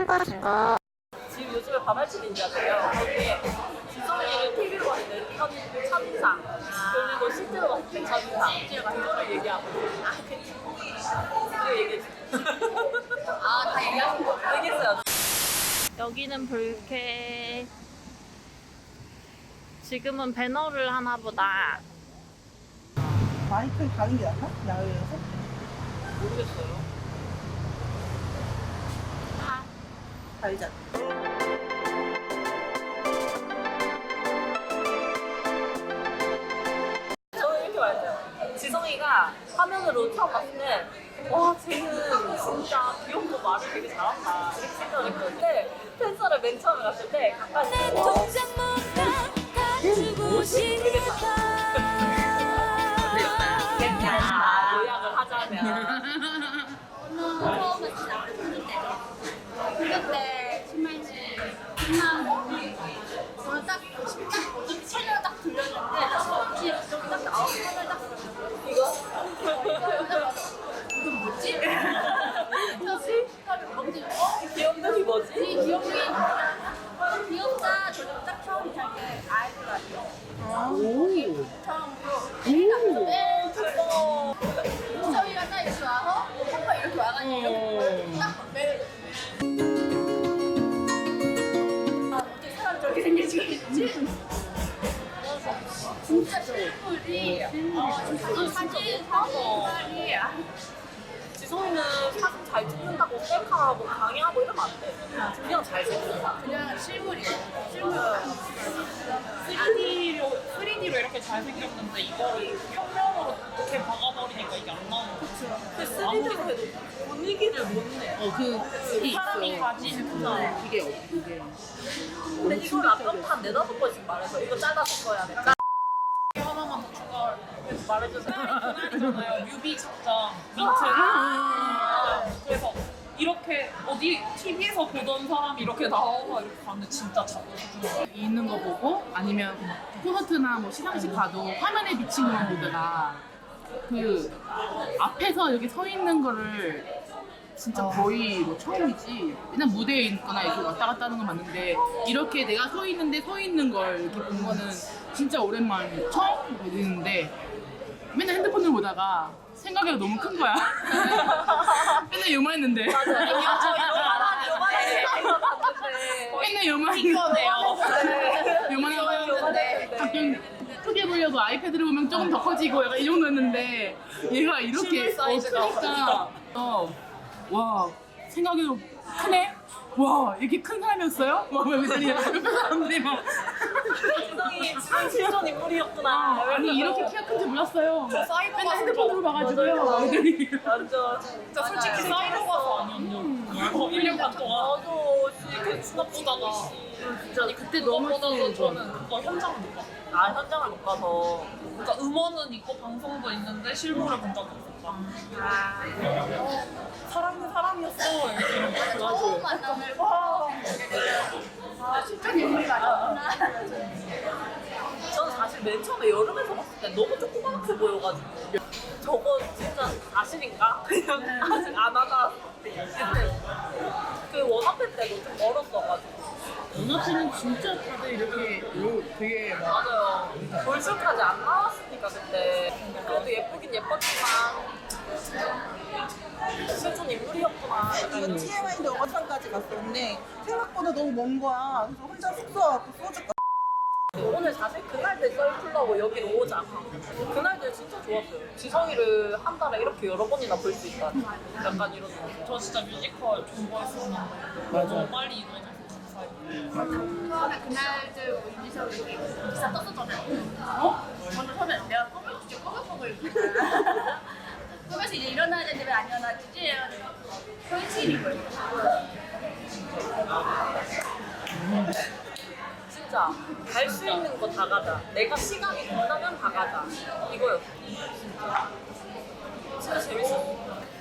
지금 요즘에 바발치기인잖아요. 거기에 지성이를 TV로 봤을 때 첫인상 그리고 실제로 봤을 때 첫인상 그거를 얘기하고 그거 얘기했어. 다 얘기하신 거 얘기했어요. 여기는 불쾌. 지금은 배너를 하나 보다. 마이크를 가는 게 낫나? 야외에서? 모르겠어요. 달자. 저는 이렇게 말했어요. 지성이가 화면으로 처음 봤을 때 와, 쟤는 진짜 귀엽고 말을 되게 잘한다 이렇게 생각을 했는데 팬사를 맨 처음에 갔을 때 가까이 요약을 하자면 처음에 진짜 그때 신발지 끝나고 저는 딱 채널 딱 돌렸는데 여기 딱 나오고 채널 딱 이거 이건 뭐지? 뭐지? 귀염둥이 뭐지? 이 귀염둥이 귀엽다. 저는 딱 처음 이렇게 아이들 같아요. 오. 처음으로 맨 대박. 저희가 딱 이렇게 와서 오빠 이렇게 와가지고 딱 매를 어떻게 사람 저렇게 생길 수가 있지? 진짜 실물이 진짜 사진 사진이 지성이는 사진 잘 찍는다고 셀카하고 강의하고 이러면 안 돼. 그냥 잘 찍는다. 그냥 실물이에요. 실물. 3D로 이렇게 잘생겼는데 이거를 평면으로 이렇게 박아버리니까 이게 안 나오는 거죠. 그 3D로 해도 분위기를 못 내. 그 사람이 가진 이게 근데 이걸 아까부터 한 4-5번씩 말해서 이거 잘라서 써야 돼. 하나만 더 추가해서 말해주세요. 그날이잖아요. 뮤비 착장 민트. 그래서 이렇게 어디 TV에서 보던 사람이 이렇게 나와서 이렇게 봤는데 진짜 자주 있는 거 보고 아니면 콘서트나 뭐 시상식 가도 화면에 비친 것만 보다가 그 앞에서 이렇게 서 있는 거를 진짜 거의 뭐 처음이지. 맨날 무대에 있거나 이렇게 왔다 갔다 하는 건 맞는데 이렇게 내가 서 있는데 서 있는 걸 이렇게 본 거는 진짜 오랜만에 처음 보는데 맨날 핸드폰을 보다가 생각이 너무 큰 거야. 맨날 요만했는데. 맨날 요만했는데요. 요만해가지고 가끔 크게 보려고 아이패드를 보면 조금 더 커지고 약간 이 정도였는데 얘가 이렇게 크니까 와 생각이 크네? 와 이렇게 큰 사람이었어요? 막 이러더니 옆에 사람들이 막 지성이 실존 인물이었구나. 아니 이렇게 키가 큰지 몰랐어요. 맨날 핸드폰으로 봐가지고요. 완전 진짜 솔직히 사이버 가수 아니었냐고 1년 반 동안 나도 그 수납보다가 진짜 아니 그때 너무보다도 저는 그거 현장을 못 봤어요. 현장을 못 가서 그러니까 음원은 있고 방송도 있는데 실물을 본 적이 없었다. 사람은 사람이었어. 이렇게 처음 만남을 실존 인물이 아니었구나. 저는 사실 맨 처음에 여름에서 봤을 때 너무 조그맣게 보여가지고 저거 진짜 사실인가? 그냥 아직 안 하나 그때 그 원어팬 때도 좀 멀었어가지고 원어치는 진짜 다들 이렇게 되게 막 맞아요 볼쇼까지 안 나왔으니까 그때 그래도 예쁘긴 예뻤지만 실존 인물이었구나 이거 TMI인데 어산까지 갔었는데 생각보다 너무 먼 거야. 그래서 혼자 숙소 와서 소주 오늘 사실 그날들 썰풀러고 여기로 오자 그날들 진짜 좋았어요 지성이를 한 달에 이렇게 여러 번이나 볼 수 있다 약간 이런 저 진짜 뮤지컬 좋아했었는데 너무 빨리 이루어져서 감사해요. 처음에 그날들 뭐 윤지석 이렇게 기사 떴었잖아요. 어? 저는 처음에 내가 꿈을 진짜 꺼먹고 있구나. 꿈에서 이제 일어나야 되는데 왜 안 일어나지? 현실인 거예요. 진짜 갈 수 있는 거 다 가자 내가 시간이 된다면 다 가자 이거였어 진짜 재밌었어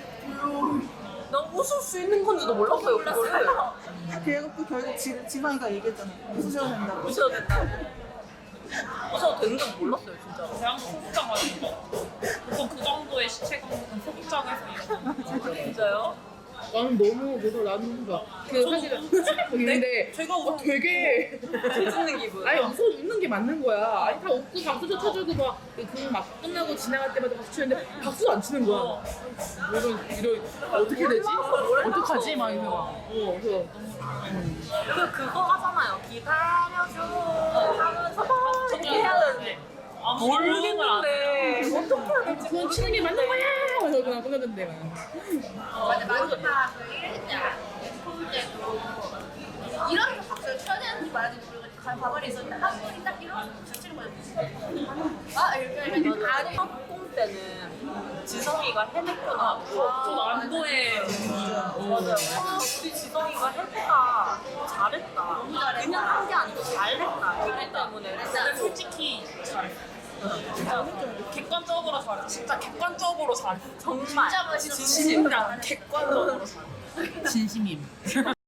난 웃을 수 있는 건지도 몰랐어요 그거를 그래갖고 결국 지방이가 얘기했잖아. 웃으셔야 된다고. 웃어야 된다고 웃어도 되는 건 몰랐어요 진짜 대학 소극장 가는 거. 보통 그 정도의 시체감은 소극장에서 일어나는 진짜요? 나는 너무 그래서 나는 좋아. 그 사실은 근데 제가 웃어. 되게 웃는 기분. 아니 웃는 게 맞는 거야. 아니 다 웃고 박수도 쳐주고 막그막 끝나고 지나갈 때마다 박수 치는데 박수도 안 치는 거야. 이런 어떻게 되지? 어떡하지? 막 이러면서 그래서 그거 하잖아요. 기다려줘 하면서 막 이렇게 해야 되는데 모르겠는데 어떻게 해야 될지 그건 치는 게 맞는 거야. 그래서 그냥 끝났는데 맞아 마지막 그 1자 볼 때도 이런 박수를 쳐야 되는지 말하는지 모르겠고 가만히 있었는데 한 분이 딱 일어나서 박수 치는 거예요. 아 이렇게 하면 다들 학공 때는 지성이가 해냈구나. 좀 안도해. 맞아요. 우리 지성이가 해냈다. 잘했다. 그냥 한 게 아니고 잘했다. 이기 때문에. 근데 솔직히 잘했어. 진짜 객관적으로 잘했어. 진짜 객관적으로 잘했어. 정말 진짜 멋있었어. 진짜 객관적으로 잘했어. 진심임.